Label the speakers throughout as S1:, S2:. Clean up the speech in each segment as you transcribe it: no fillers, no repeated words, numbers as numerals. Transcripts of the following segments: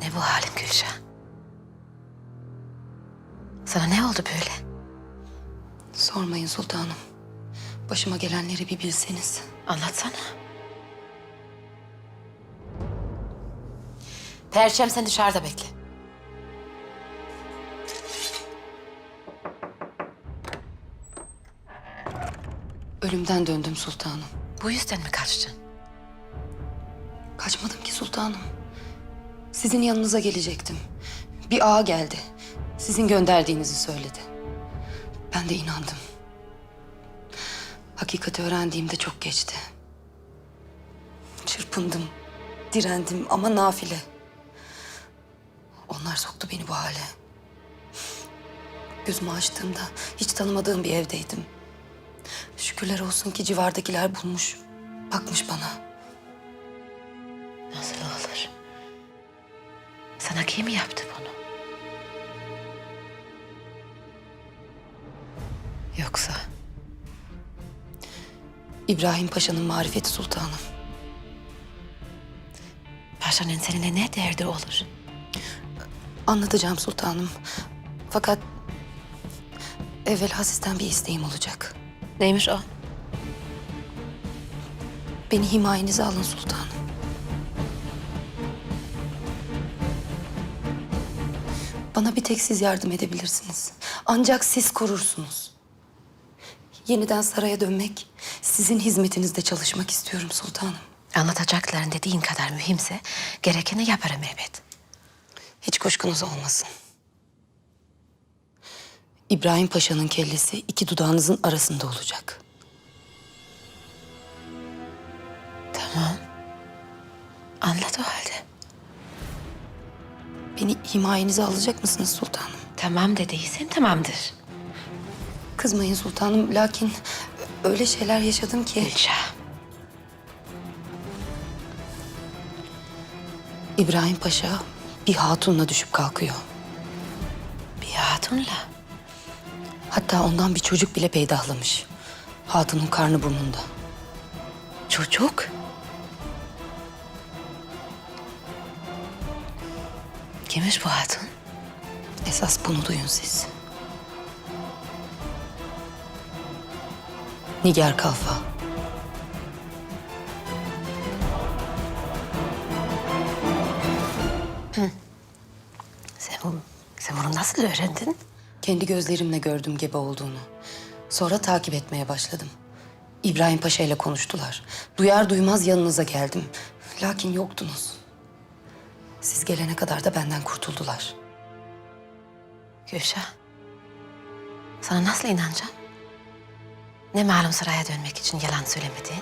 S1: Ne bu halin Gülşah? Sana ne oldu böyle?
S2: Sormayın sultanım. Başıma gelenleri bir bilseniz.
S1: Anlatsana. Perçem sen dışarıda bekle.
S2: Ölümden döndüm sultanım.
S1: Bu yüzden mi kaçtın?
S2: Kaçmadım ki sultanım. Sizin yanınıza gelecektim. Bir ağa geldi. Sizin gönderdiğinizi söyledi. Ben de inandım. Hakikati öğrendiğimde çok geçti. Çırpındım, direndim ama nafile. Onlar soktu beni bu hale. Gözümü açtığımda hiç tanımadığım bir evdeydim. Şükürler olsun ki civardakiler bulmuş, bakmış bana.
S1: Nasıl olur? Sana kim yaptı bunu? Yoksa
S2: İbrahim Paşa'nın marifeti sultanım.
S1: paşanın seninle ne derdi olur?
S2: Anlatacağım sultanım. Fakat evvela sizden bir isteğim olacak.
S1: Neymiş o?
S2: Beni himayenize alın sultanım. Bana bir tek siz yardım edebilirsiniz. Ancak siz korursunuz. Yeniden saraya dönmek, sizin hizmetinizde çalışmak istiyorum sultanım.
S1: Anlatacakların dediğin kadar mühimse gerekeni yaparım elbet.
S2: Hiç kuşkunuz olmasın. İbrahim Paşa'nın kellesi iki dudağınızın arasında olacak.
S1: Tamam. Anlat o halde.
S2: Beni himayenize alacak mısınız sultanım?
S1: Tamam dediysen tamamdır.
S2: Kızmayın sultanım, lakin öyle şeyler yaşadım ki...
S1: Gülşah.
S2: İbrahim Paşa bir hatunla düşüp kalkıyor.
S1: Bir hatunla.
S2: Hatta ondan bir çocuk bile peydahlamış. Hatunun karnı burnunda.
S1: Çocuk. Kimmiş bu hatun?
S2: Esas bunu duyun siz. Nigar Kalfa.
S1: Sen bunu nasıl öğrendin?
S2: Kendi gözlerimle gördüm gebe olduğunu. Sonra takip etmeye başladım. İbrahim Paşa ile konuştular. Duyar duymaz yanınıza geldim. Lakin yoktunuz. Siz gelene kadar da benden kurtuldular.
S1: Gülşah. Sana nasıl inanacağım? Ne malum saraya dönmek için yalan söylemediğin?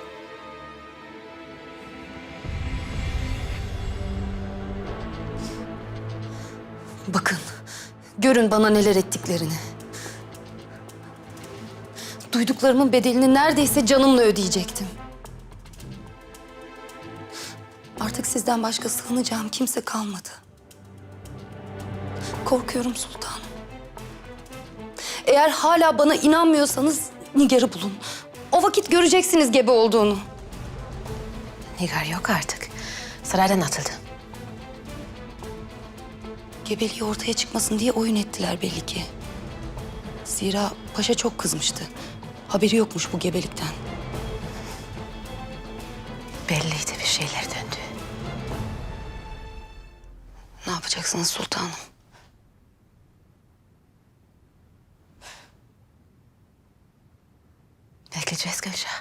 S2: Bakın, görün bana neler ettiklerini. Duyduklarımın bedelini neredeyse canımla ödeyecektim. Artık sizden başka sığınacağım kimse kalmadı. Korkuyorum sultanım. Eğer hala bana inanmıyorsanız Nigar'ı bulun. O vakit göreceksiniz gebe olduğunu.
S1: Nigar yok artık. Saraydan atıldı.
S2: Gebeliği ortaya çıkmasın diye oyun ettiler belli ki. Zira paşa çok kızmıştı. Haberi yokmuş bu gebelikten.
S1: Belliydi bir şeyler döndü.
S2: Ne yapacaksınız sultanım?
S1: Bekleyeceğiz Gülşah.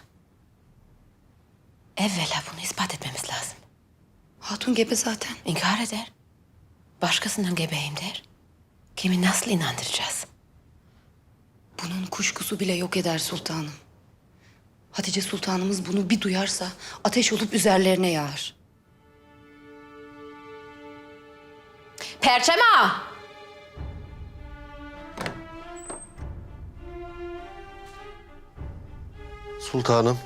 S1: Evvela bunu ispat etmemiz lazım.
S2: Hatun gebe zaten.
S1: İnkar eder. Başkasından gebeyim der. Kimi nasıl inandıracağız?
S2: Bunun kuşkusu bile yok eder sultanım. Hatice sultanımız bunu bir duyarsa ateş olup üzerlerine yağar.
S1: Perçem ağa!
S3: Sultanım.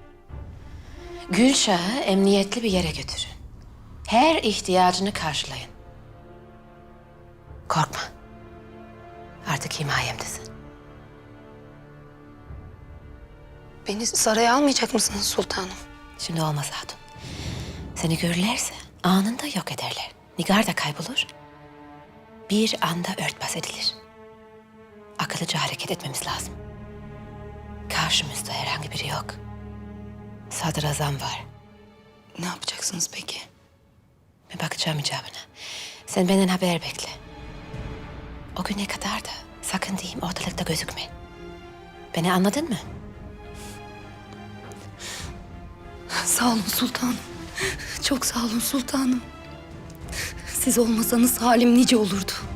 S1: Gülşah'ı emniyetli bir yere götürün. Her ihtiyacını karşılayın. Korkma. Artık himayemdesin.
S2: Beni saraya almayacak mısınız sultanım?
S1: Şimdi olmaz hatun. Seni görürlerse anında yok ederler. Nigar da kaybolur. Bir anda örtbas edilir. Akıllıca hareket etmemiz lazım. Karşımızda herhangi biri yok. Sadrazam var.
S2: Ne yapacaksınız peki?
S1: Ben bakacağım icabına. Sen benden haber bekle. O güne kadar da sakın diyeyim ortalıkta gözükme. Beni anladın mı?
S2: Sağ olun sultanım. Çok sağ olun sultanım. Siz olmasanız halim nice olurdu.